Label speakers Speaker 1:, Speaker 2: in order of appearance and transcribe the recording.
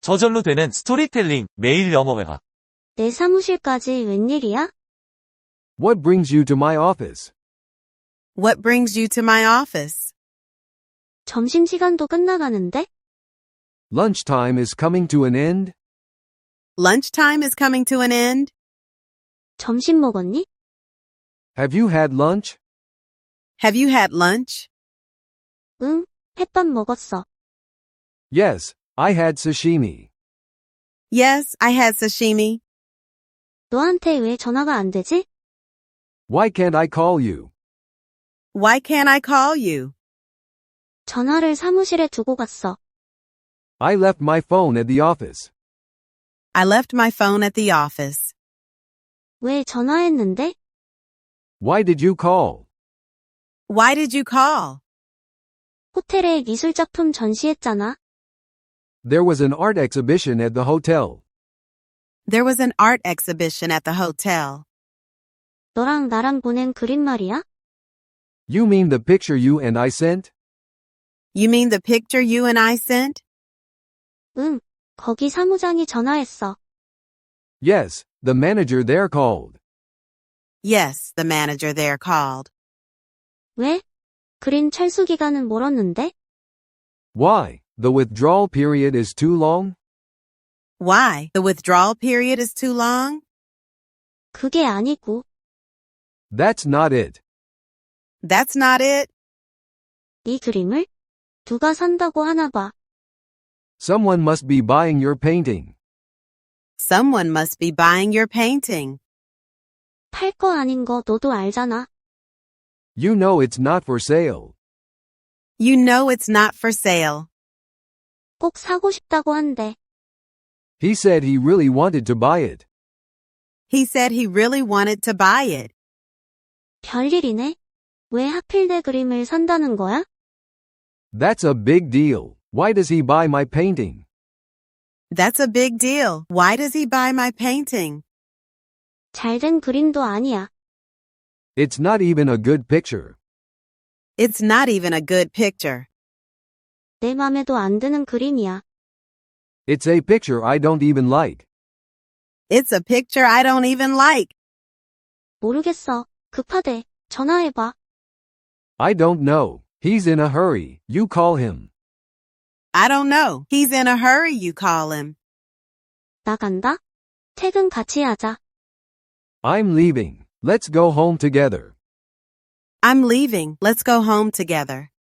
Speaker 1: 저절로 되는 스토리텔링 매일 영어회화.
Speaker 2: 내 사무실까지 웬일이야?
Speaker 3: What brings you to my office?
Speaker 4: What brings you to my office?
Speaker 2: 점심시간도 끝나가는데?
Speaker 3: Lunchtime is coming to an end?
Speaker 4: Lunchtime is coming to an end?
Speaker 2: 점심 먹었니?
Speaker 3: Have you had lunch?
Speaker 4: Have you had lunch?
Speaker 2: 응, 햇밥 먹었어.
Speaker 3: Yes, I had sashimi.
Speaker 4: Yes, I had sashimi.
Speaker 2: 너한테 왜 전화가 안 되지?
Speaker 3: Why can't I call you?
Speaker 4: Why can't I call you?
Speaker 2: 전화를 사무실에 두고 갔어.
Speaker 3: I left my phone at the office.
Speaker 4: I left my phone at the office.
Speaker 2: 왜 전화했는데?
Speaker 3: Why did you call?
Speaker 4: Why did you call?
Speaker 2: 호텔에 미술작품 전시했잖아.
Speaker 3: There was an art exhibition at the hotel.
Speaker 4: There was an art exhibition at the hotel.
Speaker 2: 너랑 나랑 보낸 그림 말이야?
Speaker 3: You mean the picture you and I sent?
Speaker 4: You mean the picture you and I sent?
Speaker 2: 응, 거기 사무장이 전화했어.
Speaker 3: Yes, the manager there called.
Speaker 4: Yes, the manager there called.
Speaker 2: 왜? 그림 철수 기간은 멀었는데?
Speaker 3: Why? The withdrawal period is too long?
Speaker 4: Why? The withdrawal period is too long?
Speaker 2: 그게 아니고,
Speaker 3: That's not it.
Speaker 4: That's not it.
Speaker 2: 네 그림을? 누가 산다고 하나 봐.
Speaker 3: Someone must be buying your painting.
Speaker 4: Someone must be buying your painting.
Speaker 2: 팔 거 아닌 거 너도 알잖아.
Speaker 3: You know it's not for sale.
Speaker 4: You know it's not for sale.
Speaker 2: 꼭 사고 싶다고 한대.
Speaker 3: He said he really wanted to buy it.
Speaker 4: He said he really wanted to buy it.
Speaker 2: 별일이네. 왜 하필 내 그림을 산다는 거야?
Speaker 3: That's a big deal. Why does he buy my painting?
Speaker 4: That's a big deal. Why does he buy my painting?
Speaker 2: 잘된 그림도 아니야.
Speaker 3: It's not even a good picture.
Speaker 4: It's not even a good picture.
Speaker 2: 내 맘에도 안 드는 그림이야.
Speaker 3: It's a picture I don't even like.
Speaker 4: It's a picture I don't even like.
Speaker 2: 모르겠어. 급하대. 전화해봐.
Speaker 3: I don't know. He's in a hurry. You call him.
Speaker 4: I don't know. He's in a hurry, you call him.
Speaker 2: 나간다? 퇴근 같이 하자.
Speaker 3: I'm leaving. Let's go home together.
Speaker 4: I'm leaving. Let's go home together.